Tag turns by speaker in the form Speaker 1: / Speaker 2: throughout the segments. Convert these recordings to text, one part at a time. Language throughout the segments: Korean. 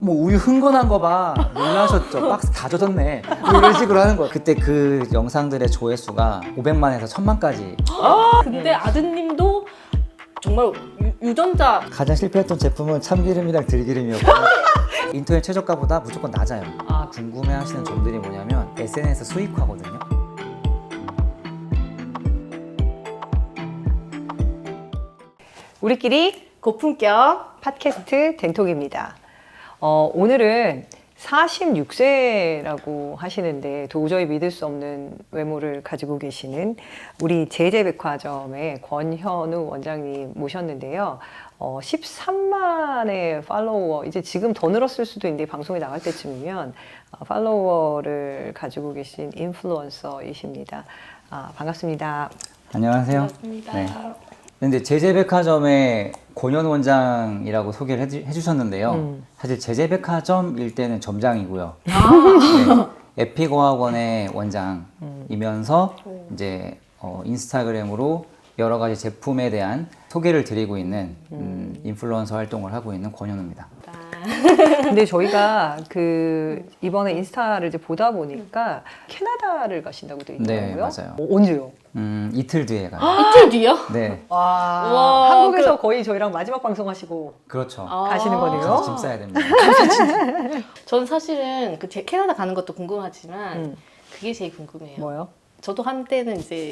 Speaker 1: 뭐 우유 흥건한 거 봐. 놀라셨죠? 박스 다 젖었네. 뭐 이런 식으로 하는 거예요. 그때 그 영상들의 조회수가 500만에서 1000만까지.
Speaker 2: 근데 아드님도 정말 유전자
Speaker 1: 가장 실패했던 제품은 참기름이랑 들기름이었고 인터넷 최저가보다 무조건 낮아요. 궁금해하시는 점들이 뭐냐면 SNS 수익화거든요.
Speaker 3: 우리끼리
Speaker 2: 고품격
Speaker 3: 팟캐스트 댕톡입니다. 오늘은 46세라고 하시는데 도저히 믿을 수 없는 외모를 가지고 계시는 우리 제재백화점의 권현우 원장님 모셨는데요. 13만의 팔로워, 이제 지금 더 늘었을 수도 있는데 방송에 나갈 때쯤이면 팔로워를 가지고 계신 인플루언서이십니다. 반갑습니다.
Speaker 1: 안녕하세요.
Speaker 2: 반갑습니다.
Speaker 1: 네. 근데 제재백화점의 권현우 원장이라고 소개를 해주셨는데요. 사실 제재백화점일 때는 점장이고요. 네, 에픽어학원의 원장이면서 이제 인스타그램으로 여러 가지 제품에 대한 소개를 드리고 있는 인플루언서 활동을 하고 있는 권현우입니다.
Speaker 3: 근데 저희가 이번에 인스타를 이제 보다 보니까 캐나다를 가신다고 되어 있더라고요.
Speaker 1: 네, 맞아요.
Speaker 3: 언제요?
Speaker 1: 이틀 뒤에 가요.
Speaker 2: 이틀 뒤요?
Speaker 1: 네,
Speaker 3: 와,
Speaker 2: 우와,
Speaker 3: 한국에서 거의 저희랑 마지막 방송하시고
Speaker 1: 그렇죠.
Speaker 3: 가시는 거네요.
Speaker 1: 가서 짐 싸야 됩니다.
Speaker 2: 전 사실은 캐나다 가는 것도 궁금하지만 그게 제일 궁금해요.
Speaker 3: 뭐요?
Speaker 2: 저도 한때는 이제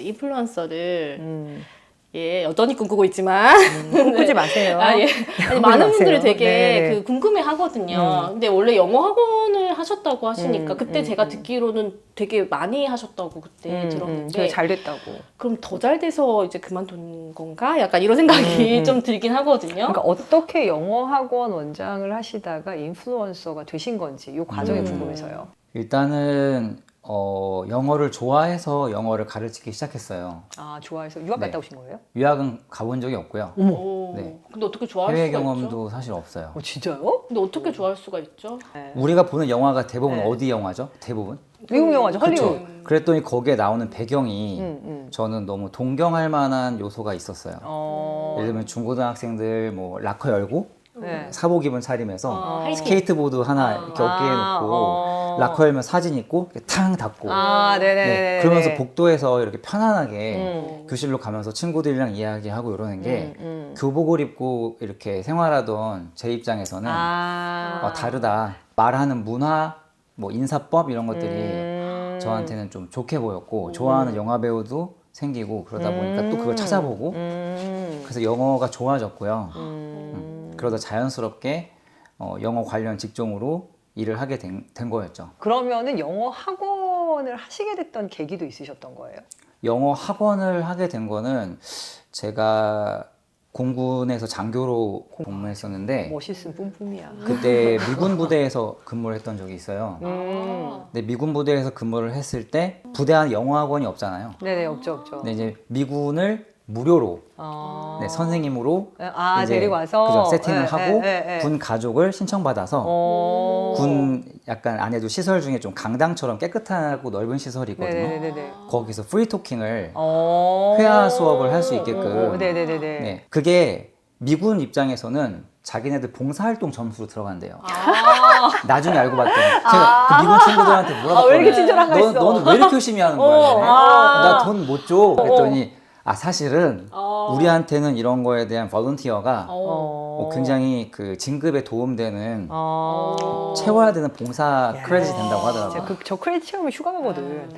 Speaker 2: 인플루언서를 여전히 꿈꾸고 있지만
Speaker 3: 꾸지 마세요.
Speaker 2: 아니
Speaker 3: 꾸지
Speaker 2: 많은 분들이
Speaker 3: 마세요.
Speaker 2: 되게
Speaker 3: 네네.
Speaker 2: 궁금해 하거든요. 근데 원래 영어 학원을 하셨다고 하시니까 그때 제가
Speaker 3: 음.
Speaker 2: 듣기로는 되게 많이 하셨다고 그때 들었는데
Speaker 3: 되게 잘 됐다고.
Speaker 2: 그럼 더 잘 돼서 이제 그만둔 건가? 약간 이런 생각이 좀 들긴 하거든요.
Speaker 3: 그러니까 어떻게 영어 학원 원장을 하시다가 인플루언서가 되신 건지 이 과정이 궁금해서요.
Speaker 1: 일단은 영어를 좋아해서 영어를 가르치기 시작했어요.
Speaker 3: 좋아해서 유학 갔다
Speaker 1: 네.
Speaker 3: 오신 거예요?
Speaker 1: 유학은 가본 적이 없고요.
Speaker 2: 오,
Speaker 1: 네.
Speaker 2: 근데 어떻게 좋아할
Speaker 1: 해외
Speaker 2: 수가
Speaker 1: 경험도
Speaker 2: 있죠?
Speaker 1: 사실 없어요.
Speaker 3: 진짜요?
Speaker 2: 근데 어떻게 좋아할 수가 있죠?
Speaker 3: 네.
Speaker 1: 우리가 보는 영화가 대부분
Speaker 3: 네.
Speaker 1: 어디 영화죠? 대부분?
Speaker 3: 미국 영화죠,
Speaker 1: 그쵸?
Speaker 3: 헐리우드.
Speaker 1: 그랬더니 거기에 나오는 배경이
Speaker 3: 음.
Speaker 1: 저는 너무 동경할 만한 요소가 있었어요. 예를 들면 중고등학생들 뭐 락커 열고
Speaker 3: 네.
Speaker 1: 사복 입은 차림에서
Speaker 2: 하이킹.
Speaker 1: 스케이트보드 하나 이렇게 어깨에 놓고 락커 열면 사진 있고 이렇게 탕 닫고
Speaker 3: 네네네.
Speaker 1: 네, 그러면서 복도에서 이렇게 편안하게 교실로 가면서 친구들이랑 이야기하고 이러는 게 교복을 입고 이렇게 생활하던 제 입장에서는 다르다. 말하는 문화, 뭐 인사법 이런 것들이 저한테는 좀 좋게 보였고 좋아하는 영화 배우도 생기고 그러다 보니까 또 그걸 찾아보고 그래서 영어가 좋아졌고요. 그러다 자연스럽게 영어 관련 직종으로 일을 하게 된 거였죠.
Speaker 3: 그러면은 영어 학원을 하시게 됐던 계기도 있으셨던 거예요?
Speaker 1: 영어 학원을 하게 된 거는 제가 공군에서 장교로 복무했었는데
Speaker 3: 멋있음 뿜뿜이야.
Speaker 1: 그때 미군 부대에서 근무를 했던 적이 있어요. 근데 미군 부대에서 근무를 했을 때 부대 안에 영어 학원이 없잖아요.
Speaker 3: 네네, 없죠.
Speaker 1: 근데 이제 미군을 무료로 네, 선생님으로 이제
Speaker 3: 데리고 와서
Speaker 1: 그죠, 세팅을
Speaker 3: 네,
Speaker 1: 하고
Speaker 3: 네, 네.
Speaker 1: 군 가족을 신청받아서 군 약간 안에도 시설 중에 좀 강당처럼 깨끗하고 넓은 시설이 있거든요.
Speaker 3: 네네네네.
Speaker 1: 거기서 프리토킹을 회화 수업을 할 수 있게끔
Speaker 3: 네네네네.
Speaker 1: 네, 그게 미군 입장에서는 자기네들 봉사활동 점수로 들어간대요. 나중에 알고 봤더니 제가 그 미군 친구들한테 물어봤거든요.
Speaker 3: 왜 이렇게 친절한가 했어?
Speaker 1: 너는 왜 이렇게 열심히 하는 거야? 나 돈 못 줘. 그랬더니 사실은 우리한테는 이런 거에 대한 볼런티어가 굉장히 그 진급에 도움되는 채워야 되는 봉사 크레딧이 된다고 하더라고요.
Speaker 3: 저 크레딧 채우면 휴가 가거든.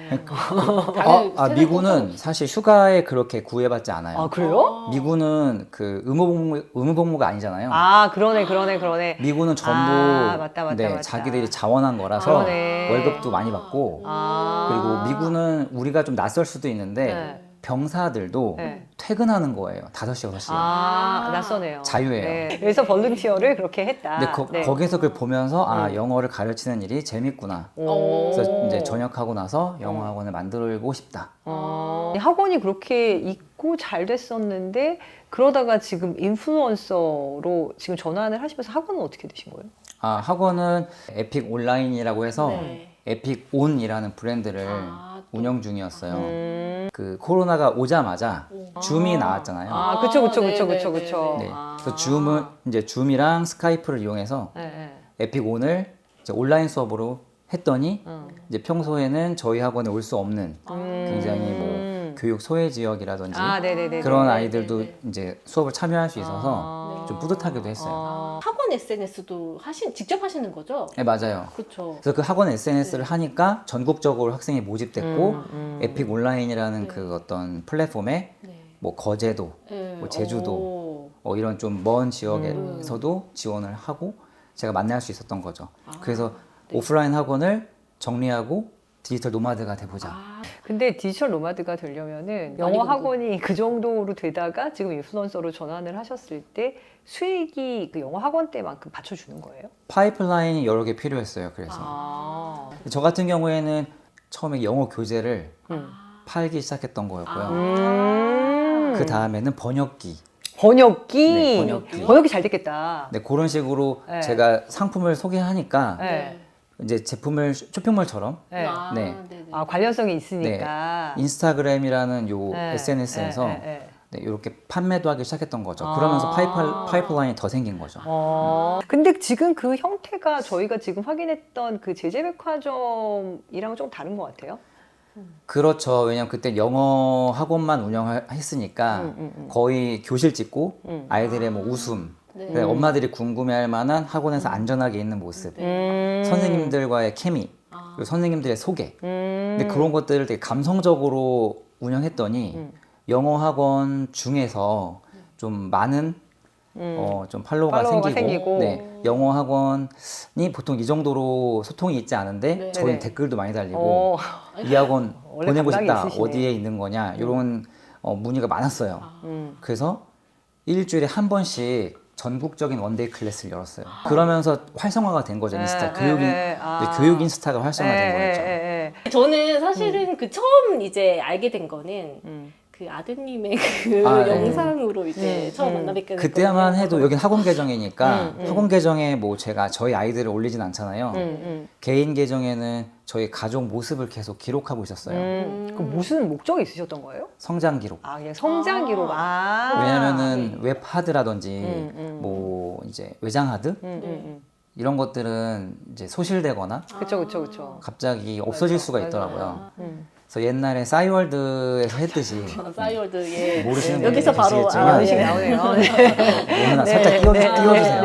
Speaker 1: 미군은 사실 휴가에 그렇게 구애받지 않아요.
Speaker 3: 그래요?
Speaker 1: 미군은 그 의무복무가 아니잖아요.
Speaker 3: 그러네.
Speaker 1: 미군은 전부
Speaker 3: 맞다.
Speaker 1: 자기들이 자원한 거라서
Speaker 3: 그러네.
Speaker 1: 월급도 많이 받고 그리고 미군은 우리가 좀 낯설 수도 있는데 병사들도 퇴근하는 거예요. 5시, 6시.
Speaker 3: 낯서네요.
Speaker 1: 자유예요.
Speaker 3: 네. 그래서 볼런티어를 그렇게 했다.
Speaker 1: 근데 거기서 그걸 보면서 영어를 가르치는 일이 재밌구나. 그래서 이제 전역하고 나서 영어 학원을 만들고 싶다.
Speaker 3: 학원이 그렇게 있고 잘 됐었는데 그러다가 지금 인플루언서로 지금 전환을 하시면서 학원은 어떻게 되신 거예요?
Speaker 1: 학원은 에픽 온라인이라고 해서
Speaker 2: 네.
Speaker 1: 에픽 온이라는 브랜드를 운영 중이었어요. 그 코로나가 오자마자 줌이 나왔잖아요.
Speaker 3: 그쵸.
Speaker 1: 네. 그래서 줌이랑 스카이프를 이용해서 에픽 온을 이제 온라인 수업으로 했더니 이제 평소에는 저희 학원에 올 수 없는 굉장히 뭐 교육 소외 지역이라든지
Speaker 3: 네네네.
Speaker 1: 그런 아이들도 이제 수업을 참여할 수 있어서 좀 뿌듯하기도 했어요.
Speaker 2: 학원 SNS도 직접 하시는 거죠?
Speaker 1: 네, 맞아요.
Speaker 2: 그렇죠.
Speaker 1: 그래서 그 학원 SNS를 하니까 전국적으로 학생이 모집됐고 에픽 온라인이라는 그 어떤 플랫폼에
Speaker 2: 네.
Speaker 1: 뭐 거제도,
Speaker 2: 네.
Speaker 1: 뭐 제주도 이런 좀 먼 지역에서도 지원을 하고 제가 만날 수 있었던 거죠. 그래서 오프라인 학원을 정리하고 디지털 노마드가 돼보자.
Speaker 3: 근데 디지털 노마드가 되려면은
Speaker 2: 많이
Speaker 3: 영어
Speaker 2: 공부.
Speaker 3: 학원이 그 정도로 되다가 지금 인플루언서로 전환을 하셨을 때 수익이 그 영어 학원 때만큼 받쳐주는 거예요?
Speaker 1: 파이프라인이 여러 개 필요했어요. 그래서 저 같은 경우에는 처음에 영어 교재를 팔기 시작했던 거였고요. 그 다음에는 번역기.
Speaker 3: 번역기?
Speaker 1: 네, 번역기.
Speaker 3: 번역기 잘 됐겠다.
Speaker 1: 네, 그런 식으로
Speaker 3: 네.
Speaker 1: 제가 상품을 소개하니까
Speaker 3: 네.
Speaker 1: 이제 제품을 쇼핑몰처럼
Speaker 3: 네.
Speaker 1: 네.
Speaker 2: 네네.
Speaker 3: 관련성이 있으니까.
Speaker 1: 인스타그램이라는 요
Speaker 3: 네.
Speaker 1: SNS에서
Speaker 3: 네.
Speaker 1: 네, 이렇게 판매도 하기 시작했던 거죠. 그러면서 파이프라인이 더 생긴 거죠.
Speaker 3: 근데 지금 그 형태가 저희가 지금 확인했던 그 제재백화점이랑은 좀 다른 것 같아요.
Speaker 1: 그렇죠. 왜냐면 그때 영어 학원만 운영했으니까 거의 교실 찍고 아이들의 뭐 웃음,
Speaker 2: 네.
Speaker 1: 그러니까 엄마들이 궁금해할 만한 학원에서 안전하게 있는 모습, 선생님들과의 케미, 그리고 선생님들의 소개. 근데 그런 것들을 되게 감성적으로 운영했더니 영어 학원 중에서 좀 많은 좀 팔로워가 생기고 네, 영어 학원이 보통 이 정도로 소통이 있지 않은데
Speaker 2: 네.
Speaker 1: 저희는
Speaker 3: 네네.
Speaker 1: 댓글도 많이 달리고 이 학원
Speaker 3: 원래
Speaker 1: 보내고
Speaker 3: 감각이
Speaker 1: 싶다
Speaker 3: 있으시네.
Speaker 1: 어디에 있는 거냐 이런 문의가 많았어요. 그래서 일주일에 한 번씩 전국적인 원데이 클래스를 열었어요. 그러면서 활성화가 된 거죠. 인스타 교육 인스타가 활성화된 거였죠.
Speaker 2: 저는 사실은 그 처음 이제 알게 된 거는 그 아드님의 그 영상으로 이제 처음 만나 뵙게 됐거든요.
Speaker 1: 그때만 해도 여긴 학원 계정이니까 학원 계정에 뭐 제가 저희 아이들을 올리진 않잖아요. 개인 계정에는 저희 가족 모습을 계속 기록하고 있었어요.
Speaker 3: 그 무슨 목적이 있으셨던 거예요?
Speaker 1: 성장 기록.
Speaker 3: 그냥 성장 기록.
Speaker 1: 왜냐면은 웹 하드라든지 뭐 이제 외장 하드 이런 것들은 이제 소실되거나
Speaker 3: 그쵸.
Speaker 1: 갑자기 없어질 수가 있더라고요. 그래서 옛날에 싸이월드에서 했듯이
Speaker 2: 싸이월드 예.
Speaker 1: 모르시는
Speaker 2: 여기서
Speaker 1: 분들이
Speaker 2: 바로
Speaker 1: 계시겠지만
Speaker 3: 나오네요.
Speaker 1: 오늘 살짝 띄워주세요.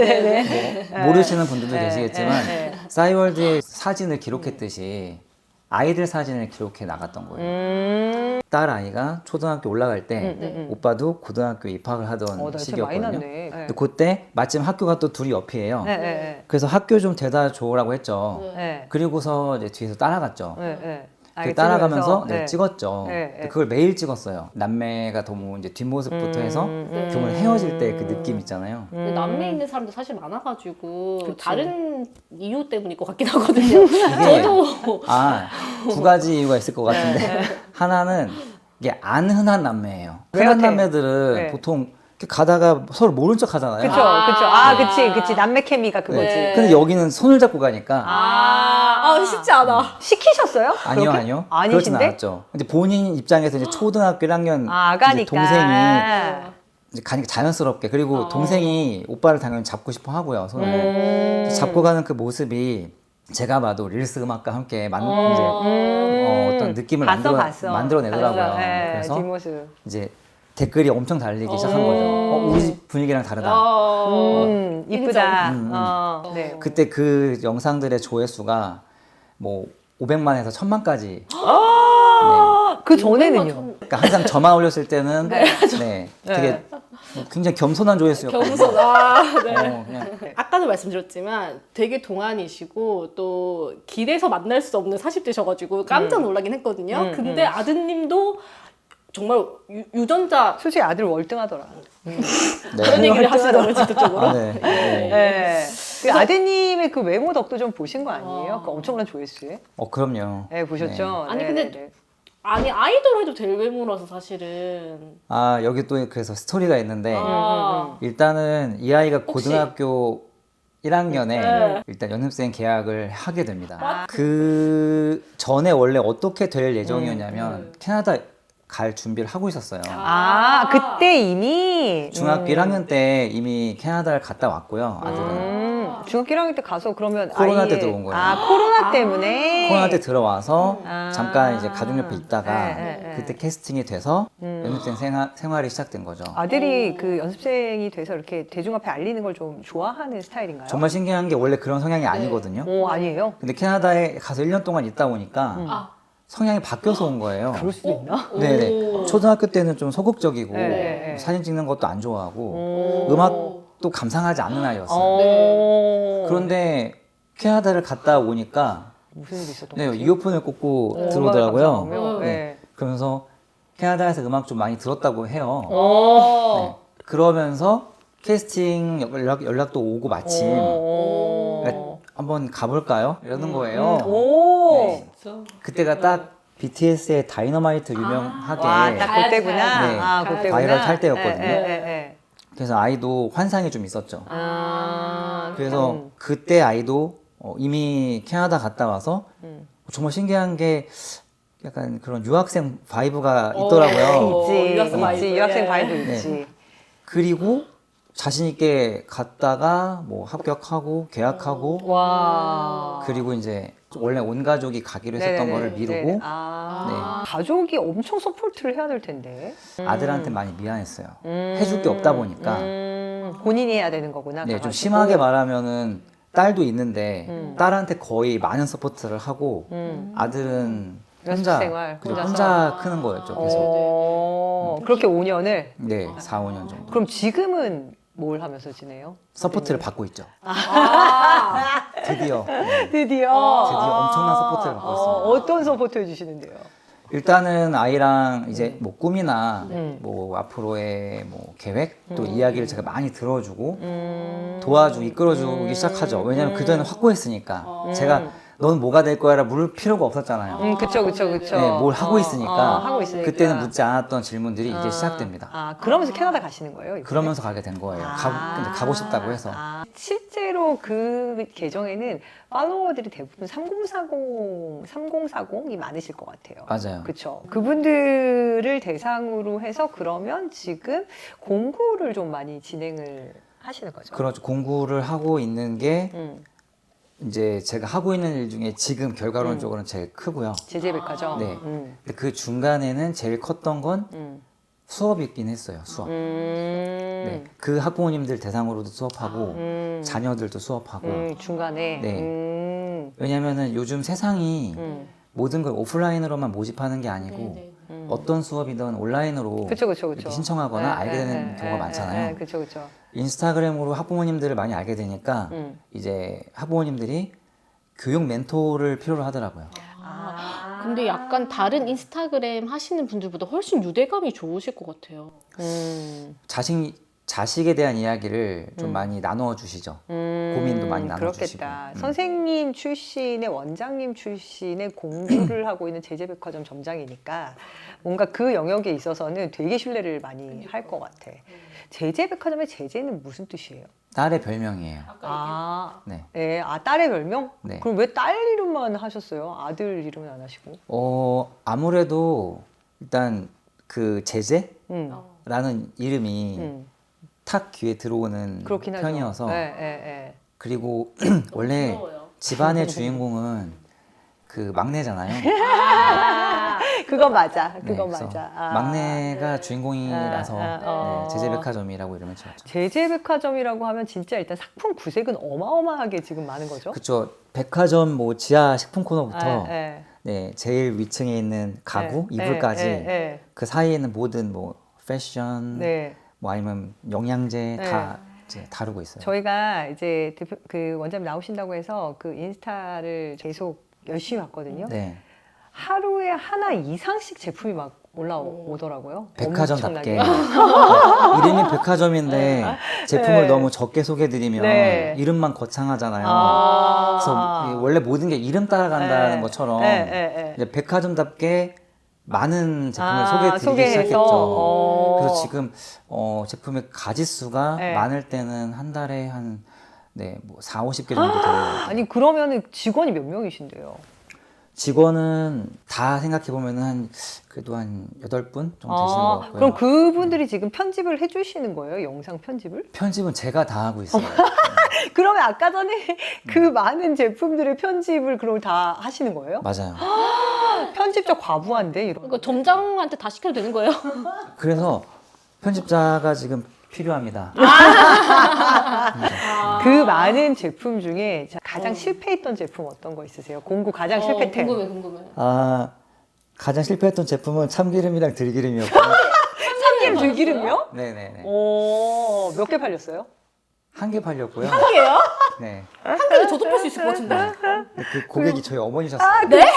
Speaker 1: 뭐 모르시는 분들도 계시겠지만 싸이월드의 사진을 기록했듯이 아이들 사진을 기록해 나갔던 거예요. 딸 아이가 초등학교 올라갈 때 오빠도 고등학교 입학을 하던 시기였거든요. 근데 그때 마침 학교가 또 둘이 옆이에요. 그래서 학교 좀 데려다 줘라고 했죠. 그리고서 이제 뒤에서 따라갔죠. 그 따라가면서 찍었죠. 근데 그걸 매일 찍었어요. 남매가 너무 이제 뒷모습부터 해서 교문 헤어질 때 그 느낌 있잖아요.
Speaker 2: 근데 남매 있는 사람도 사실 많아가지고 다른 이유 때문일 것 같긴 하거든요. 저도
Speaker 1: 두 가지 이유가 있을 것 같은데 하나는 이게 안 흔한 남매예요. 흔한 남매들은 보통 이렇게 가다가 서로 모른 척 하잖아요.
Speaker 3: 그치. 남매 케미가 그거지.
Speaker 1: 근데 여기는 손을 잡고 가니까
Speaker 2: 쉽지 않아.
Speaker 3: 시키셨어요?
Speaker 1: 아니요. 그렇진
Speaker 3: 아니신데?
Speaker 1: 않았죠. 근데 본인 입장에서 이제 초등학교 1학년
Speaker 3: 아가니까.
Speaker 1: 동생이 이제 가니까 자연스럽게 그리고 동생이 오빠를 당연히 잡고 싶어 하고요. 손을 잡고 가는 그 모습이 제가 봐도 릴스 음악과 함께 이제 어떤 느낌을 만들어내더라고요. 그래서
Speaker 3: 뒷모습.
Speaker 1: 이제 댓글이 엄청 달리기 시작한 거죠. 우리 집 분위기랑 다르다.
Speaker 3: 이쁘다.
Speaker 1: 그때 그 영상들의 조회수가 뭐 500만에서 1000만까지.
Speaker 3: 그 전에는요?
Speaker 1: 그러니까 항상 저만 올렸을 때는 되게 굉장히 겸손한 조회수였거든요.
Speaker 2: 그냥. 아까도 말씀드렸지만 되게 동안이시고 또 길에서 만날 수 없는 40대셔가지고 깜짝 놀라긴 했거든요. 근데 아드님도 정말 유전자
Speaker 3: 솔직히 아들 월등하더라.
Speaker 2: 그런 얘기를 하시더라고요, 직접적으로.
Speaker 3: 그 아드님의 그 외모 덕도 좀 보신 거 아니에요? 그 엄청난 조회수에?
Speaker 1: 그럼요.
Speaker 3: 네, 보셨죠?
Speaker 2: 아니 근데 아이돌 해도 될 외모라서 사실은.
Speaker 1: 여기 또 그래서 스토리가 있는데 일단은 이 아이가 고등학교 1학년에 일단 연습생 계약을 하게 됩니다. 그 전에 원래 어떻게 될 예정이었냐면 캐나다 갈 준비를 하고 있었어요.
Speaker 3: 그때 이미
Speaker 1: 중학교 1학년 때 이미 캐나다를 갔다 왔고요. 아들은.
Speaker 3: 중학교 1학년 때 가서 그러면
Speaker 1: 코로나 때 들어온 거예요.
Speaker 3: 코로나 때문에.
Speaker 1: 코로나 때 들어와서
Speaker 3: 아.
Speaker 1: 잠깐 이제 가족 옆에 있다가
Speaker 3: 네.
Speaker 1: 그때 캐스팅이 돼서 연습생 생활이 시작된 거죠.
Speaker 3: 아들이 그 연습생이 돼서 이렇게 대중 앞에 알리는 걸 좀 좋아하는 스타일인가요?
Speaker 1: 정말 신기한 게 원래 그런 성향이 아니거든요.
Speaker 3: 오, 아니에요?
Speaker 1: 근데 캐나다에 가서 1년 동안 있다 보니까 성향이 바뀌어서 온 거예요.
Speaker 3: 그럴 수도 있나?
Speaker 1: 네네. 초등학교 때는 좀 소극적이고
Speaker 3: 네.
Speaker 1: 사진 찍는 것도 안 좋아하고 음악도 감상하지 않는 아이였어요.
Speaker 3: 오.
Speaker 1: 그런데 캐나다를 갔다 오니까
Speaker 3: 무슨 일이 있었던
Speaker 1: 네,
Speaker 3: 거지?
Speaker 1: 이어폰을 꽂고
Speaker 3: 음악을
Speaker 1: 들어오더라고요.
Speaker 3: 감상하며?
Speaker 1: 네.
Speaker 3: 네.
Speaker 1: 그러면서 캐나다에서 음악 좀 많이 들었다고 해요.
Speaker 3: 오.
Speaker 1: 네. 그러면서 캐스팅 연락도 오고 마침
Speaker 3: 오.
Speaker 1: 한번 가볼까요? 이러는 거예요.
Speaker 3: 오.
Speaker 1: 네. 그때가 딱 BTS의 다이너마이트 유명하게
Speaker 3: 와, 딱 그때구나.
Speaker 1: 네.
Speaker 3: 아, 그때구나.
Speaker 1: 바이럴 탈 때였거든요.
Speaker 3: 네.
Speaker 1: 그래서 아이도 환상이 좀 있었죠.
Speaker 3: 아.
Speaker 1: 그래서 그때 아이도 이미 캐나다 갔다 와서 정말 신기한 게 약간 그런 유학생 바이브가 있더라고요.
Speaker 3: 있지.
Speaker 2: 유학생 바이브.
Speaker 3: 있지. 유학생
Speaker 2: 예.
Speaker 3: 바이브
Speaker 1: 네.
Speaker 3: 있지.
Speaker 1: 그리고 자신 있게 갔다가 뭐 합격하고 계약하고
Speaker 3: 와.
Speaker 1: 그리고 이제 원래 온 가족이 가기로 했었던
Speaker 3: 네네네.
Speaker 1: 거를 미루고
Speaker 3: 네네. 아. 가족이 엄청 서포트를 해야 될 텐데.
Speaker 1: 아들한테 많이 미안했어요. 해줄 게 없다 보니까
Speaker 3: 본인이 해야 되는 거구나.
Speaker 1: 네, 좀
Speaker 3: 가가지고.
Speaker 1: 심하게 말하면은 딸도 있는데 딸한테 거의 많은 서포트를 하고 아들은 혼자
Speaker 3: 연습생활
Speaker 1: 그죠,
Speaker 3: 혼자서.
Speaker 1: 혼자 크는 거였죠. 계속
Speaker 3: 그렇게 5년을.
Speaker 1: 네, 4, 5년 정도
Speaker 3: 그럼 지금은 뭘 하면서 지내요?
Speaker 1: 서포트를 받고 있죠. 드디어
Speaker 3: 드디어.
Speaker 1: 엄청난 서포트를 받고 있습니다.
Speaker 3: 어떤 서포트 해주시는데요?
Speaker 1: 일단은 아이랑 이제 뭐 꿈이나 뭐 앞으로의 뭐 계획 또 이야기를 제가 많이 들어주고 도와주고 이끌어주기 시작하죠. 왜냐면 그전에 확고했으니까 제가 넌 뭐가 될 거야라 물을 필요가 없었잖아요.
Speaker 3: 그쵸.
Speaker 1: 네, 뭘 하고 있으니까,
Speaker 3: 하고 있으니까.
Speaker 1: 그때는 묻지 않았던 질문들이 이제 시작됩니다.
Speaker 3: 그러면서 캐나다 가시는 거예요? 이번에?
Speaker 1: 그러면서 가게 된 거예요. 근데 가고 싶다고 해서.
Speaker 3: 실제로 그 계정에는 팔로워들이 대부분 3040이 많으실 것 같아요.
Speaker 1: 맞아요.
Speaker 3: 그렇죠. 그분들을 대상으로 해서 그러면 지금 공부를 좀 많이 진행을 하시는 거죠.
Speaker 1: 그렇죠. 공부를 하고 있는 게
Speaker 3: 음.
Speaker 1: 이제 제가 하고 있는 일 중에 지금 결과론적으로는 제일 크고요.
Speaker 3: 제재백화점.
Speaker 1: 네. 근데 그 중간에는 제일 컸던 건 수업이긴 했어요. 수업. 네. 그 학부모님들 대상으로도 수업하고 자녀들도 수업하고.
Speaker 3: 중간에.
Speaker 1: 네. 왜냐면은 요즘 세상이 모든 걸 오프라인으로만 모집하는 게 아니고 어떤 수업이든 온라인으로
Speaker 3: 그쵸.
Speaker 1: 이렇게 신청하거나 알게 되는 경우가 많잖아요.
Speaker 3: 그렇죠.
Speaker 1: 인스타그램으로 학부모님들을 많이 알게 되니까 이제 학부모님들이 교육 멘토를 필요로 하더라고요.
Speaker 2: 근데 약간 다른 인스타그램 하시는 분들보다 훨씬 유대감이 좋으실 것 같아요.
Speaker 1: 자식에 대한 이야기를 좀 많이 나누어 주시죠. 고민도 많이 나눠 주시고.
Speaker 3: 그렇겠다. 선생님 출신의 원장님 출신의 공부를 하고 있는 제재백화점 점장이니까 뭔가 그 영역에 있어서는 되게 신뢰를 많이 할 것 같아. 제재백화점의 제재는 무슨 뜻이에요?
Speaker 1: 딸의 별명이에요.
Speaker 3: 네.
Speaker 1: 네.
Speaker 3: 딸의 별명?
Speaker 1: 네.
Speaker 3: 그럼 왜 딸 이름만 하셨어요? 아들 이름은 안 하시고?
Speaker 1: 아무래도 일단 그 제재라는 이름이 탁 귀에 들어오는
Speaker 3: 그렇긴 하죠.
Speaker 1: 편이어서
Speaker 3: 네.
Speaker 1: 그리고 원래 집안의 주인공은 그 막내잖아요.
Speaker 3: 그건 맞아.
Speaker 1: 네,
Speaker 3: 그건
Speaker 1: 그래서
Speaker 3: 맞아.
Speaker 1: 막내가 주인공이라서 네, 제재백화점이라고 이름을 지었죠.
Speaker 3: 제재백화점이라고 하면 진짜 일단 상품 구색은 어마어마하게 지금 많은 거죠?
Speaker 1: 그렇죠. 백화점 뭐 지하 식품 코너부터
Speaker 3: 네.
Speaker 1: 네, 제일 위층에 있는 가구,
Speaker 3: 네,
Speaker 1: 이불까지
Speaker 3: 네.
Speaker 1: 그 사이에 있는 모든 뭐 패션,
Speaker 3: 네.
Speaker 1: 뭐 아니면 영양제
Speaker 3: 네.
Speaker 1: 다 이제 다루고 있어요.
Speaker 3: 저희가 이제 그 원장님 나오신다고 해서 그 인스타를 계속 열심히 봤거든요.
Speaker 1: 네.
Speaker 3: 하루에 하나 이상씩 제품이 막 올라오더라고요.
Speaker 1: 백화점답게
Speaker 3: 엄청나게.
Speaker 1: 이름이 백화점인데 제품을
Speaker 3: 네.
Speaker 1: 너무 적게 소개해드리면
Speaker 3: 네.
Speaker 1: 이름만 거창하잖아요.
Speaker 3: 아.
Speaker 1: 그래서 원래 모든 게 이름 따라간다는
Speaker 3: 네.
Speaker 1: 것처럼
Speaker 3: 네.
Speaker 1: 이제 백화점답게 많은 제품을 소개해드리기
Speaker 3: 소개해서.
Speaker 1: 시작했죠. 그래서 지금 제품의 가짓수가
Speaker 3: 네.
Speaker 1: 많을 때는 한 달에 한 뭐 4, 50개 정도 돼요.
Speaker 3: 아니 그러면은 직원이 몇 명이신데요?
Speaker 1: 직원은 다 생각해 보면은 한 그래도 한 8분 정도 되시는 것 같고요.
Speaker 3: 그럼 그분들이 지금 편집을 해주시는 거예요? 영상 편집을?
Speaker 1: 편집은 제가 다 하고 있어요.
Speaker 3: 그러면 아까 전에 그 많은 제품들의 편집을 그럼 다 하시는 거예요?
Speaker 1: 맞아요.
Speaker 3: 편집자 과부한데 이런.
Speaker 2: 그러니까 점장한테 다 시켜도 되는 거예요?
Speaker 1: 그래서 편집자가 지금 필요합니다.
Speaker 3: 그 많은 제품 중에 가장 실패했던 제품 어떤 거 있으세요? 공구 가장 실패템.
Speaker 2: 궁금해.
Speaker 1: 아, 가장 실패했던 제품은 참기름이랑 들기름이었고요.
Speaker 3: 참기름 들기름이요?
Speaker 1: 네네네.
Speaker 3: 오, 몇 개 팔렸어요?
Speaker 1: 한 개 팔렸고요.
Speaker 2: 한 개요?
Speaker 1: 네.
Speaker 2: 한 개는 저도 팔 수 있을 것 같은데.
Speaker 1: 그 고객이 저희 어머니셨어요.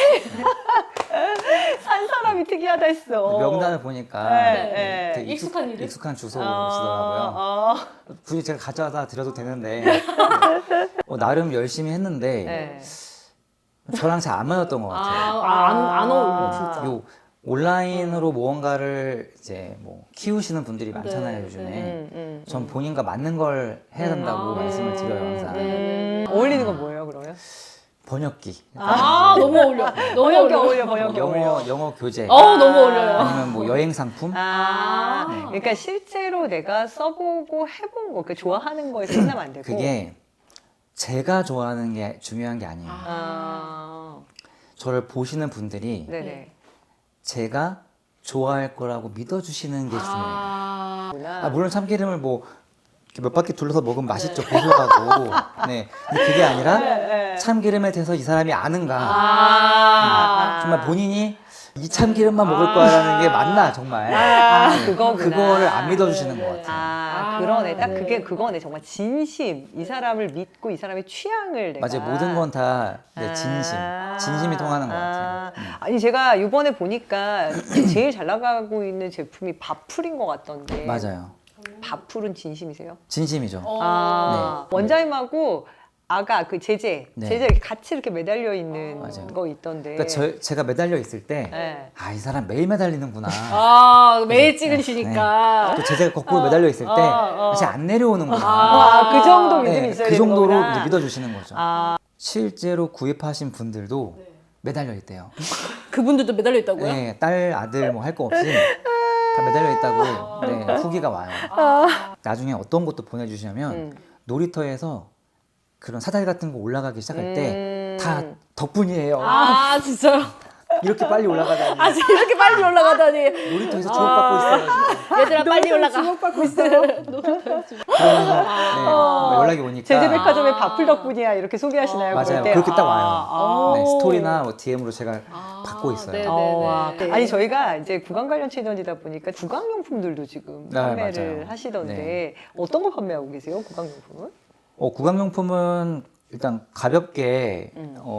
Speaker 3: 한 사람이 특이하다 했어.
Speaker 1: 명단을 보니까
Speaker 3: 네,
Speaker 1: 되게
Speaker 2: 익숙한 이름?
Speaker 1: 익숙한 주소시더라고요. 굳이 제가 가져다 드려도 되는데 나름 열심히 했는데
Speaker 3: 네.
Speaker 1: 저랑 잘 안 맞았던 것 같아요.
Speaker 2: 안 어울려 진짜.
Speaker 1: 요 온라인으로 무언가를 이제 뭐 키우시는 분들이 많잖아요,
Speaker 2: 네,
Speaker 1: 요즘에. 전 본인과 맞는 걸 해야 된다고 말씀을 드려요, 항상.
Speaker 3: 어울리는 건 뭐예요, 그러면?
Speaker 1: 번역기.
Speaker 2: 너무 어울려. 너무
Speaker 3: 번역기
Speaker 2: 어울려.
Speaker 3: 어울려, 번역기 어울려.
Speaker 1: 영어 교재.
Speaker 2: 너무 어울려요.
Speaker 1: 아니면 뭐 여행 상품.
Speaker 3: 그러니까 실제로 내가 써보고 해본 거, 그러니까 좋아하는 거에 끝나면 안 되고.
Speaker 1: 그게 제가 좋아하는 게 중요한 게 아니에요. 저를 보시는 분들이
Speaker 3: 네네.
Speaker 1: 제가 좋아할 거라고 믿어주시는 게 중요해요.
Speaker 3: 구나.
Speaker 1: 물론 참기름을 뭐 몇 바퀴 둘러서 먹으면 맛있죠, 고소하고. 네. 근데 그게 아니라 참기름에 대해서 이 사람이 아는가. 정말 본인이 이 참기름만 먹을 거라는 게 맞나, 정말. 네.
Speaker 3: 그거구나.
Speaker 1: 그거를 안 믿어주시는 것 같아요.
Speaker 3: 그러네. 딱 그게 그거네. 정말 진심. 이 사람을 믿고 이 사람의 취향을 내가.
Speaker 1: 맞아요. 모든 건 다 진심이 통하는 것 같아요.
Speaker 3: 아니 제가 이번에 보니까 제일 잘 나가고 있는 제품이 바풀인 것 같던데.
Speaker 1: 맞아요.
Speaker 3: 바풀은 진심이세요?
Speaker 1: 진심이죠.
Speaker 3: 원장님하고 아가 그 제재
Speaker 1: 네.
Speaker 3: 이렇게 같이 이렇게 매달려 있는
Speaker 1: 맞아요.
Speaker 3: 거 있던데.
Speaker 1: 그러니까 제가 매달려 있을 때,
Speaker 3: 네.
Speaker 1: 이 사람 매일 매달리는구나.
Speaker 2: 매일 찍으시니까.
Speaker 1: 또 제가 거꾸로 매달려 있을 때, 다시 안 내려오는구나.
Speaker 3: 그 정도 믿음이
Speaker 1: 네,
Speaker 3: 있어야
Speaker 1: 그
Speaker 3: 되는
Speaker 1: 정도로
Speaker 3: 거구나.
Speaker 1: 이제 믿어주시는 거죠. 실제로 구입하신 분들도 매달려 있대요.
Speaker 2: 그분들도 매달려 있다고요?
Speaker 1: 네, 딸, 아들 뭐 할 거 없이 다 매달려 있다고 네, 후기가 와요. 나중에 어떤 것도 보내주시냐면 놀이터에서 그런 사다리 같은 거 올라가기 시작할 때 다 덕분이에요.
Speaker 2: 진짜요?
Speaker 1: 이렇게 빨리 올라가다니.
Speaker 2: 이렇게 빨리 올라가다니.
Speaker 1: 놀이터에서 주목받고 있어요. 지금.
Speaker 2: 얘들아 빨리 올라가.
Speaker 3: 주목받고 있어요.
Speaker 1: 그러면서 뭐 연락이 오니까
Speaker 3: 제재백화점의 바풀 덕분이야 이렇게 소개하시나요?
Speaker 1: 맞아요.
Speaker 3: 그럴 때?
Speaker 1: 그렇게 딱 와요. 네, 스토리나 뭐 DM으로 제가 받고 있어요.
Speaker 2: 네네네.
Speaker 3: 아니 저희가 이제 구강 관련 채널이다 보니까 구강용품들도 지금
Speaker 1: 네,
Speaker 3: 판매를
Speaker 1: 맞아요.
Speaker 3: 하시던데
Speaker 1: 네.
Speaker 3: 어떤 거 판매하고 계세요? 구강용품은?
Speaker 1: 구강용품은 일단 가볍게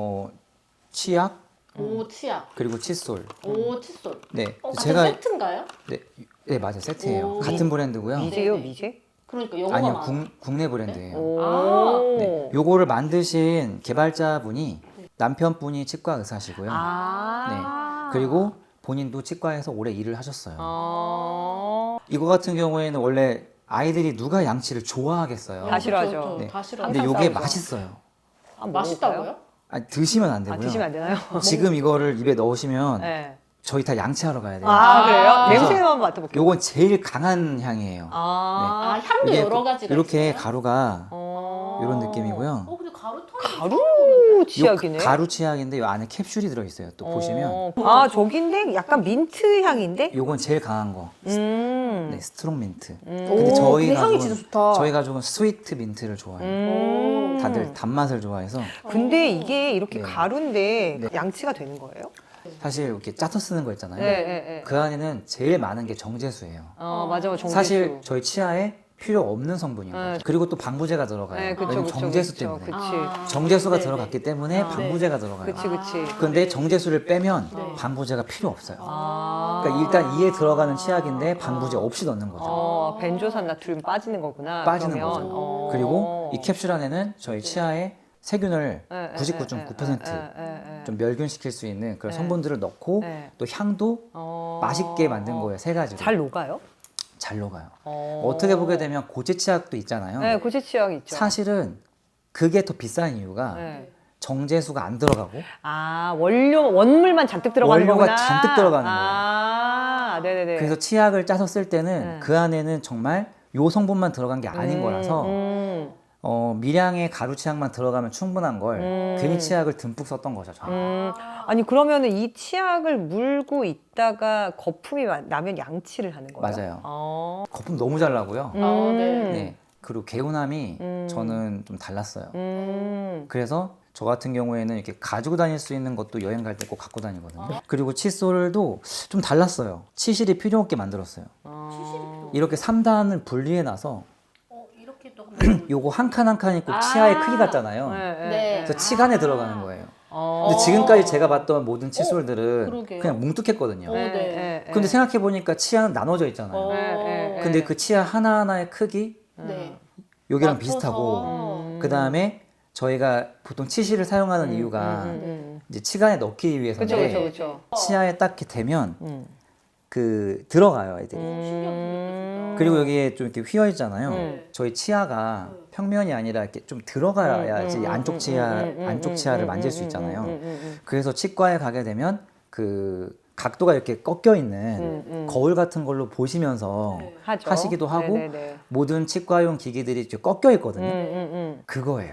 Speaker 1: 치약
Speaker 2: 오 치약.
Speaker 1: 그리고 칫솔.
Speaker 2: 오 칫솔.
Speaker 1: 네,
Speaker 2: 같은 세트인가요?
Speaker 1: 네 맞아요, 세트예요.
Speaker 2: 오.
Speaker 1: 같은 브랜드고요.
Speaker 3: 미제요,
Speaker 2: 네네.
Speaker 3: 미제?
Speaker 2: 그러니까 영어가
Speaker 1: 아니요,
Speaker 2: 많아.
Speaker 1: 국내 브랜드예요.
Speaker 3: 오.
Speaker 1: 네, 요거를 만드신 개발자분이 남편분이 치과 의사시고요. 네, 그리고 본인도 치과에서 오래 일을 하셨어요. 이거 같은 경우에는 원래 아이들이 누가 양치를 좋아하겠어요.
Speaker 3: 다 싫어하죠.
Speaker 1: 네.
Speaker 2: 다 싫어.
Speaker 1: 근데
Speaker 3: 항상
Speaker 1: 요게
Speaker 3: 싸우죠.
Speaker 1: 맛있어요.
Speaker 2: 맛있다고요?
Speaker 1: 드시면 안 되고요.
Speaker 3: 드시면 안 되나요?
Speaker 1: 지금 이거를 입에 넣으시면
Speaker 3: 네.
Speaker 1: 저희 다 양치하러 가야 돼요.
Speaker 3: 그래요?
Speaker 1: 그래서
Speaker 3: 냄새 한번 맡아볼게요.
Speaker 1: 요건 제일 강한 향이에요.
Speaker 2: 향도
Speaker 1: 이게
Speaker 2: 여러 가지가
Speaker 1: 이렇게
Speaker 2: 있어요?
Speaker 1: 가루가 이런 느낌이고요.
Speaker 2: 근데 가루통이
Speaker 3: 가루 치약이네.
Speaker 1: 요 가루 치약인데 요 안에 캡슐이 들어있어요. 또 보시면
Speaker 3: 저긴데 약간 민트 향인데?
Speaker 1: 요건 제일 강한 거. 네, 스트롱 민트.
Speaker 2: 근데
Speaker 1: 근데 저희
Speaker 2: 향이
Speaker 1: 가족은
Speaker 2: 진짜 좋다.
Speaker 1: 저희 가족은 스위트 민트를 좋아해요. 다들 단맛을 좋아해서
Speaker 3: 근데 이게 이렇게
Speaker 1: 네.
Speaker 3: 가루인데
Speaker 1: 네.
Speaker 3: 양치가 되는 거예요?
Speaker 1: 사실 이렇게 짜서 쓰는 거 있잖아요.
Speaker 3: 네.
Speaker 1: 그 안에는 제일 많은 게 정제수예요.
Speaker 3: 맞아, 정제수.
Speaker 1: 사실 저희 치아에 필요 없는 성분인 거죠. 그리고 또 방부제가 들어가요.
Speaker 3: 네, 그쵸,
Speaker 1: 왜냐면
Speaker 3: 그쵸,
Speaker 1: 정제수
Speaker 3: 그쵸,
Speaker 1: 때문에.
Speaker 3: 그치.
Speaker 1: 정제수가
Speaker 2: 네네.
Speaker 1: 들어갔기 때문에 방부제가 들어가요.
Speaker 3: 그치.
Speaker 1: 근데 정제수를 빼면 방부제가 필요 없어요. 그러니까 일단 이에 들어가는 치약인데 방부제 없이 넣는 거죠.
Speaker 3: 벤조산 나트륨 빠지는 거구나.
Speaker 1: 빠지는
Speaker 3: 그러면.
Speaker 1: 거죠. 그리고 이 캡슐 안에는 저희 치아에 세균을 99.9% 좀 멸균시킬 수 있는 그런 성분들을 넣고
Speaker 3: 네.
Speaker 1: 또 향도 맛있게 만든 거예요. 세 가지로.
Speaker 3: 잘 녹아요?
Speaker 1: 잘 녹아요. 어떻게 보게 되면 고체 치약도 있잖아요.
Speaker 3: 네, 고체 치약 있죠.
Speaker 1: 사실은 그게 더 비싼 이유가
Speaker 3: 네.
Speaker 1: 정제수가 안 들어가고
Speaker 3: 아, 원물만 잔뜩 들어가는
Speaker 1: 원료가
Speaker 3: 거구나.
Speaker 1: 잔뜩 들어가는
Speaker 3: 아, 네네네.
Speaker 1: 그래서 치약을 짜서 쓸 때는 그 안에는 정말 요 성분만 들어간 게 아닌 거라서 미량의 가루 치약만 들어가면 충분한 걸 괜히 치약을 듬뿍 썼던 거죠. 저는.
Speaker 3: 아니 그러면은 이 치약을 물고 있다가 거품이 나면 양치를 하는 거예요?
Speaker 1: 맞아요.
Speaker 3: 어.
Speaker 1: 거품 너무 잘 나고요.
Speaker 2: 네.
Speaker 1: 네. 그리고 개운함이 저는 좀 달랐어요. 그래서 저 같은 경우에는 이렇게 가지고 다닐 수 있는 것도 여행 갈 때 꼭 갖고 다니거든요. 그리고 칫솔도 좀 달랐어요. 치실이 필요 없게 만들었어요. 이렇게 3단을 분리해 놔서
Speaker 2: 이렇게 또
Speaker 1: 요거 한 칸 한 칸이 꼭 치아의 크기 같잖아요.
Speaker 2: 네.
Speaker 1: 그래서 치간에 들어가는 거예요. 근데 지금까지 제가 봤던 모든 칫솔들은
Speaker 2: 그러게요.
Speaker 1: 그냥 뭉툭했거든요.
Speaker 2: 네.
Speaker 1: 근데 생각해보니까 치아는 나눠져 있잖아요. 근데 그 치아 하나하나의 크기
Speaker 2: 네.
Speaker 1: 여기랑
Speaker 2: 맞춰서.
Speaker 1: 비슷하고 그 다음에 저희가 보통 치실을 사용하는 이유가 이제 치간에 넣기 위해서인데
Speaker 3: 그렇죠.
Speaker 1: 치아에 딱 이렇게 대면 그 들어가요, 애들이. 그리고 여기에 좀 이렇게 휘어 있잖아요. 저희 치아가 평면이 아니라 이렇게 좀 들어가야지 안쪽 치아를 만질 수 있잖아요. 그래서 치과에 가게 되면 그 각도가 이렇게 꺾여 있는 거울 같은 걸로 보시면서 하시기도 하고 모든 치과용 기기들이 이렇게 꺾여 있거든요. 그거예요.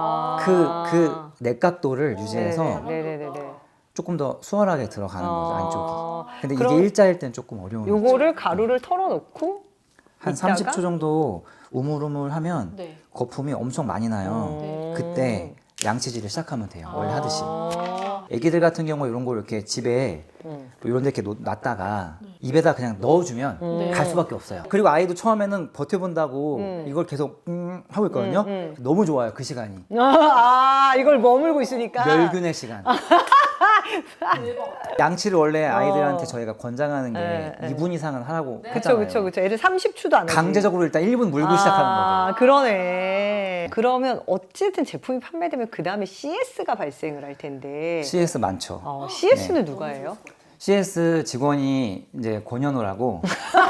Speaker 1: 그 내각도를 유지해서 조금 더 수월하게 들어가는 거죠, 안쪽이. 근데
Speaker 3: 그럼
Speaker 1: 이게 일자일 땐 조금 어려운 거죠.
Speaker 3: 요거를 가루를 털어놓고
Speaker 1: 한
Speaker 3: 이따가?
Speaker 1: 30초 정도 우물우물 하면
Speaker 2: 네.
Speaker 1: 거품이 엄청 많이 나요. 그때 양치질을 시작하면 돼요. 원래 하듯이. 애기들 같은 경우 이런 걸 이렇게 집에 이런 데 이렇게 놨다가 입에다 그냥 넣어주면 갈 수밖에 없어요. 그리고 아이도 처음에는 버텨본다고 이걸 계속 하고 있거든요. 너무 좋아요, 그 시간이.
Speaker 3: 아, 이걸 머물고 있으니까.
Speaker 1: 멸균의 시간. 양치를 원래 아이들한테 저희가 권장하는 게 2분 이상은 하라고 했잖아요.
Speaker 3: 그쵸. 애들 30초도 안 하지.
Speaker 1: 강제적으로 일단 1분 물고 시작하는 거죠.
Speaker 3: 그러네. 그러면 어쨌든 제품이 판매되면 그 다음에 CS가 발생을 할 텐데.
Speaker 1: CS 많죠.
Speaker 3: CS는 누가 해요?
Speaker 1: CS 직원이 이제 권현우라고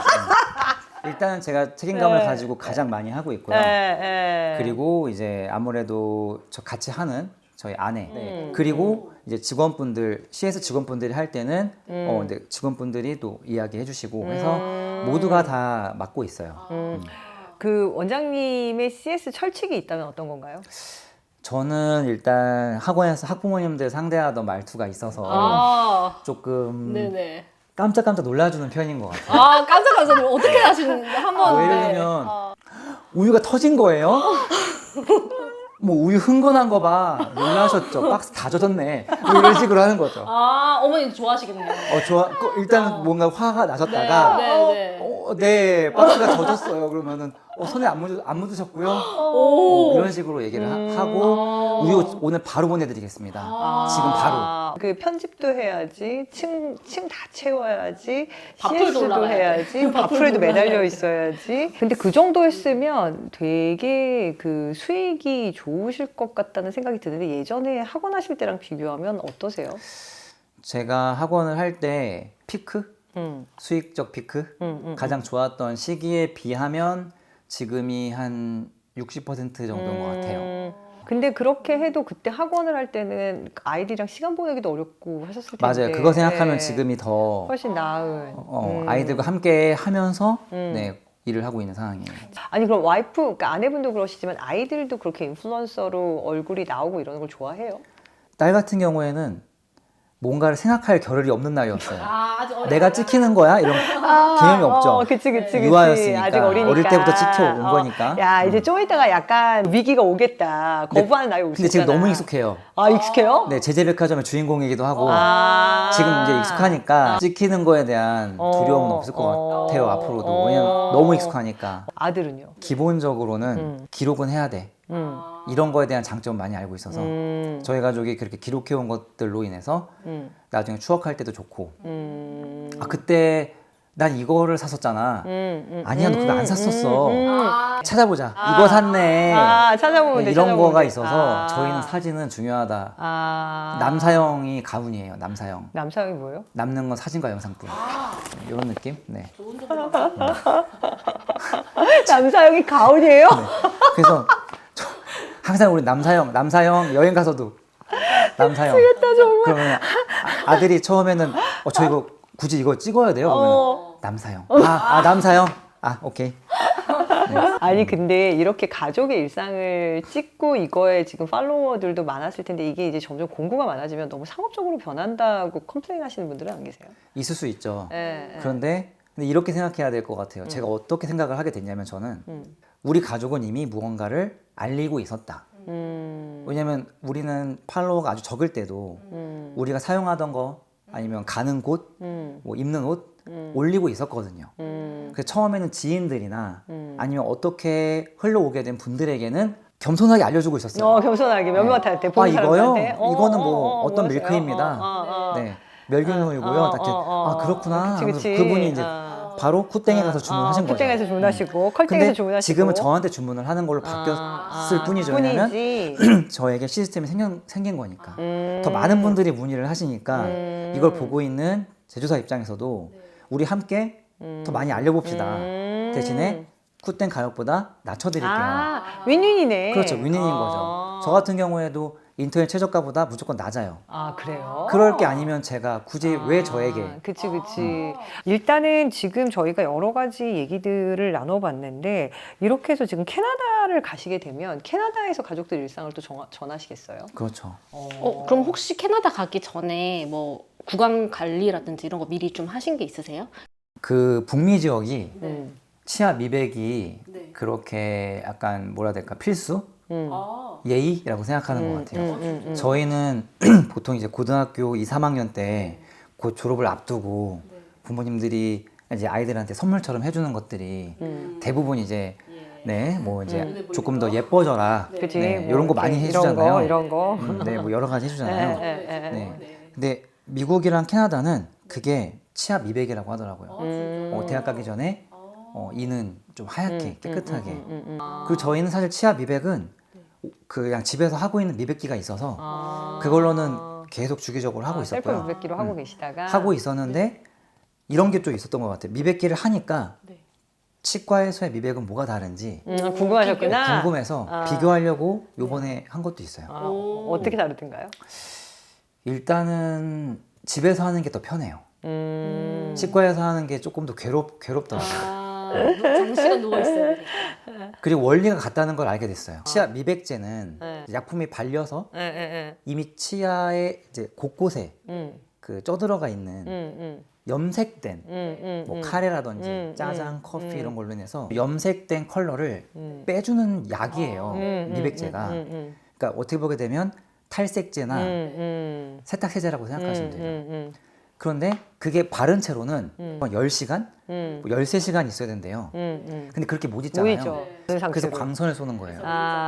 Speaker 1: 일단은 제가 책임감을 가지고 가장 많이 하고 있고요. 그리고 이제 아무래도 저 같이 하는 저희 아내 그리고 이제 직원분들 CS 직원분들이 할 때는 이제 직원분들이 또 이야기해 주시고 해서 모두가 다 맡고 있어요.
Speaker 3: 그 원장님의 CS 철칙이 있다면 어떤 건가요?
Speaker 1: 저는 일단 학원에서 학부모님들 상대하던 말투가 있어서 조금
Speaker 2: 네네.
Speaker 1: 깜짝깜짝 놀라주는 편인 것 같아요.
Speaker 2: 깜짝 놀랐어요. 어떻게 하시는지 한번.
Speaker 1: 예를 들면 우유가 터진 거예요? 뭐 우유 흥건한 거 봐. 놀라셨죠? 박스 다 젖었네. 뭐 이런 식으로 하는 거죠.
Speaker 2: 어머니 좋아하시겠네요.
Speaker 1: 좋아. 일단 뭔가 화가 나셨다가 네, 박스가 젖었어요. 그러면은 손에 안 묻으셨고요. 이런 식으로 얘기를 하고 우유 오늘 바로 보내드리겠습니다. 지금 바로.
Speaker 3: 그 편집도 해야지, 층 다 채워야지,
Speaker 2: 밥풀도
Speaker 3: CS도
Speaker 2: 올라가야
Speaker 3: 해야지, 밥풀에도 매달려 있어야지. 근데 그 정도 했으면 되게 그 수익이 좋으실 것 같다는 생각이 드는데 예전에 학원 하실 때랑 비교하면 어떠세요?
Speaker 1: 제가 학원을 할 때 피크? 수익적 피크? 가장 좋았던 시기에 비하면 지금이 한 60% 정도인 것 같아요.
Speaker 3: 근데 그렇게 해도 그때 학원을 할 때는 아이들이랑 시간 보내기도 어렵고 하셨을 텐데.
Speaker 1: 맞아요. 그거 생각하면 지금이 더
Speaker 3: 훨씬 나은.
Speaker 1: 아이들과 함께 하면서 네, 일을 하고 있는 상황이에요.
Speaker 3: 아니 그럼 와이프, 그러니까 아내분도 그러시지만 아이들도 그렇게 인플루언서로 얼굴이 나오고 이러는 걸 좋아해요?
Speaker 1: 딸 같은 경우에는 뭔가를 생각할 겨를이 없는 나이였어요.
Speaker 2: 아직
Speaker 1: 내가 찍히는 거야? 이런 개념이 없죠.
Speaker 3: 그치.
Speaker 1: 유아였으니까.
Speaker 3: 아직 어리니까.
Speaker 1: 어릴 때부터 찍혀온 거니까.
Speaker 3: 야, 이제 좀 있다가 약간 위기가 오겠다. 거부하는 나이 올 수
Speaker 1: 근데 지금
Speaker 3: 있잖아.
Speaker 1: 너무 익숙해요.
Speaker 3: 익숙해요?
Speaker 1: 네, 제재백화점의 주인공이기도 하고 지금 이제 익숙하니까 찍히는 거에 대한 두려움은 없을 것 같아요, 앞으로도. 왜냐면 너무 익숙하니까.
Speaker 3: 아들은요?
Speaker 1: 기본적으로는 기록은 해야 돼. 이런 거에 대한 장점 많이 알고 있어서 저희 가족이 그렇게 기록해온 것들로 인해서 나중에 추억할 때도 좋고 그때 난 이거를 샀었잖아. 아니야, 너 그거 안 샀었어. 찾아보자. 이거 샀네.
Speaker 3: 찾아보면 돼.
Speaker 1: 이런
Speaker 3: 찾아보면
Speaker 1: 거가
Speaker 3: 돼.
Speaker 1: 있어서 저희는 사진은 중요하다. 남사형이 가훈이에요. 남사형.
Speaker 3: 남사형이 뭐예요?
Speaker 1: 남는 건 사진과 영상뿐. 이런 느낌? 네.
Speaker 3: 남사형이 가훈이에요?
Speaker 1: 그래서 항상 우리 남사형 여행 가서도 남사형. 그러면 아들이 처음에는 저 이거 굳이 이거 찍어야 돼요? 그러면 남사형. 남사형. 오케이.
Speaker 3: 아니 근데 이렇게 가족의 일상을 찍고 이거에 지금 팔로워들도 많았을 텐데 이게 이제 점점 공구가 많아지면 너무 상업적으로 변한다고 컴플레인 하시는 분들은 안 계세요?
Speaker 1: 있을 수 있죠.
Speaker 3: 네,
Speaker 1: 그런데 근데 이렇게 생각해야 될 것 같아요. 제가 어떻게 생각을 하게 됐냐면 저는 우리 가족은 이미 무언가를 알리고 있었다. 왜냐면 우리는 팔로워가 아주 적을 때도 우리가 사용하던 거 아니면 가는 곳, 뭐 입는 옷 올리고 있었거든요. 그래서 처음에는 지인들이나 아니면 어떻게 흘러오게 된 분들에게는 겸손하게 알려주고 있었어요.
Speaker 3: 겸손하게 몇몇한테 보는
Speaker 1: 이거요?
Speaker 3: 사람한테
Speaker 1: 이거는 뭐 어떤 밀크입니다. 네, 멸균우유고요. 그렇구나.
Speaker 3: 그치.
Speaker 1: 그분이 이제 바로 쿠땡에 가서 주문하신 거죠.
Speaker 3: 쿠땡에서 주문하시고 컬땡에서
Speaker 1: 근데
Speaker 3: 주문하시고.
Speaker 1: 지금은 저한테 주문을 하는 걸로 바뀌었을 뿐이죠. 왜냐면 저에게 시스템이 생긴 거니까. 더 많은 분들이 문의를 하시니까 이걸 보고 있는 제조사 입장에서도 우리 함께 더 많이 알려봅시다. 대신에 쿠땡 가격보다 낮춰드릴게요.
Speaker 3: 윈윈이네.
Speaker 1: 그렇죠. 윈윈인 거죠. 저 같은 경우에도 인터넷 최저가보다 무조건 낮아요.
Speaker 3: 그래요?
Speaker 1: 그럴 게 아니면 제가 굳이 왜 저에게.
Speaker 3: 그치. 일단은 지금 저희가 여러 가지 얘기들을 나눠봤는데 이렇게 해서 지금 캐나다를 가시게 되면 캐나다에서 가족들 일상을 또 전하시겠어요?
Speaker 1: 그렇죠.
Speaker 2: 그럼 혹시 캐나다 가기 전에 뭐 구강 관리라든지 이런 거 미리 좀 하신 게 있으세요?
Speaker 1: 그 북미 지역이 치아 미백이 그렇게 약간 뭐라 해야 될까 필수? 예의라고 생각하는 것 같아요. 저희는 보통 이제 고등학교 2, 3학년 때 곧 졸업을 앞두고 부모님들이 이제 아이들한테 선물처럼 해주는 것들이 대부분 이제 뭐 이제 조금 더 예뻐져라.
Speaker 3: 그치.
Speaker 1: 이런 거 많이 해주잖아요.
Speaker 3: 이런 거.
Speaker 1: 뭐 여러 가지 해주잖아요. 근데 미국이랑 캐나다는 그게 치아 미백이라고 하더라고요. 대학 가기 전에 이는 좀 하얗게 깨끗하게. 그리고 저희는 사실 치아 미백은 그냥 집에서 하고 있는 미백기가 있어서 그걸로는 계속 주기적으로 하고 있었고요.
Speaker 3: 셀프 미백기로 하고 계시다가
Speaker 1: 하고 있었는데 이런 게 좀 있었던 것 같아요. 미백기를 하니까 치과에서의 미백은 뭐가 다른지
Speaker 3: 궁금하셨구나.
Speaker 1: 궁금해서 비교하려고 요번에 한 것도 있어요.
Speaker 3: 어떻게 다르던가요?
Speaker 1: 일단은 집에서 하는 게 더 편해요. 치과에서 하는 게 조금 더 괴롭더라고요.
Speaker 2: 장시간 누워있어요.
Speaker 1: 그리고 원리가 같다는 걸 알게 됐어요. 치아 미백제는 약품이 발려서 이미 치아의 이제 곳곳에 그 쪄들어가 있는 염색된 뭐 카레라든지 짜장, 커피 이런 걸로 인해서 염색된 컬러를 빼주는 약이에요. 미백제가. 그러니까 어떻게 보게 되면 탈색제나 세탁세제라고 생각하시면 돼요. 그런데 그게 바른 채로는 10시간? 뭐 13시간 있어야 된대요. 근데 그렇게 못 있잖아요. 그래서 광선을 쏘는 거예요.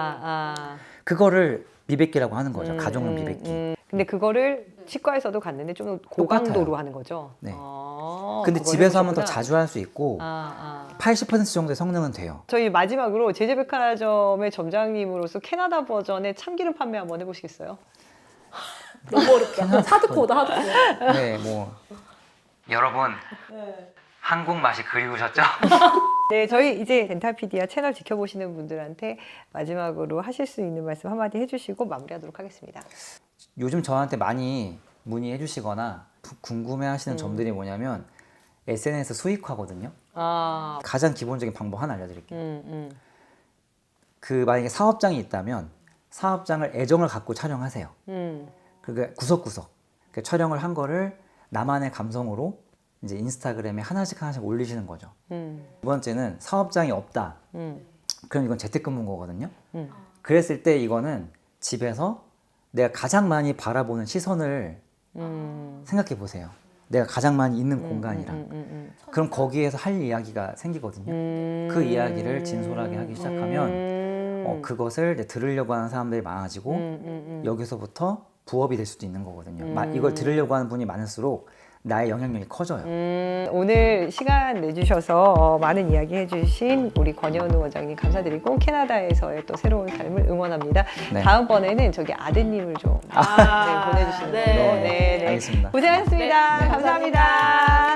Speaker 1: 그거를 미백기라고 하는 거죠. 가정용 미백기.
Speaker 3: 근데 그거를 치과에서도 갔는데 좀 고강도로 하는 거죠.
Speaker 1: 네. 근데 집에서 하면 더 자주 할 수 있고 80% 정도의 성능은 돼요.
Speaker 3: 저희 마지막으로 제제백화점의 점장님으로서 캐나다 버전의 참기름 판매 한번 해보시겠어요?
Speaker 2: 너무 어렵다. 하드코어다, 하드코어.
Speaker 1: 네, 뭐 여러분 한국 맛이 그리우셨죠?
Speaker 3: 네, 저희 이제 덴탈피디아 채널 지켜보시는 분들한테 마지막으로 하실 수 있는 말씀 한마디 해주시고 마무리하도록 하겠습니다.
Speaker 1: 요즘 저한테 많이 문의해 주시거나 궁금해하시는 점들이 뭐냐면 SNS 수익화거든요. 가장 기본적인 방법 하나 알려드릴게요. 그 만약에 사업장이 있다면 사업장을 애정을 갖고 촬영하세요. 그게 구석구석 촬영을 한 거를 나만의 감성으로 이제 인스타그램에 하나씩 올리시는 거죠. 두 번째는 사업장이 없다. 그럼 이건 재택근무인 거거든요. 그랬을 때 이거는 집에서 내가 가장 많이 바라보는 시선을 생각해 보세요. 내가 가장 많이 있는 공간이랑. 그럼 거기에서 할 이야기가 생기거든요. 그 이야기를 진솔하게 하기 시작하면 그것을 이제 들으려고 하는 사람들이 많아지고 여기서부터 부업이 될 수도 있는 거거든요. 이걸 들으려고 하는 분이 많을수록 나의 영향력이 커져요.
Speaker 3: 오늘 시간 내주셔서 많은 이야기 해주신 우리 권현우 원장님 감사드리고 캐나다에서의 또 새로운 삶을 응원합니다.
Speaker 1: 네.
Speaker 3: 다음번에는 저기 아드님을 좀 보내주시는 걸로. 네.
Speaker 1: 알겠습니다.
Speaker 3: 고생하셨습니다.
Speaker 1: 네.
Speaker 3: 감사합니다.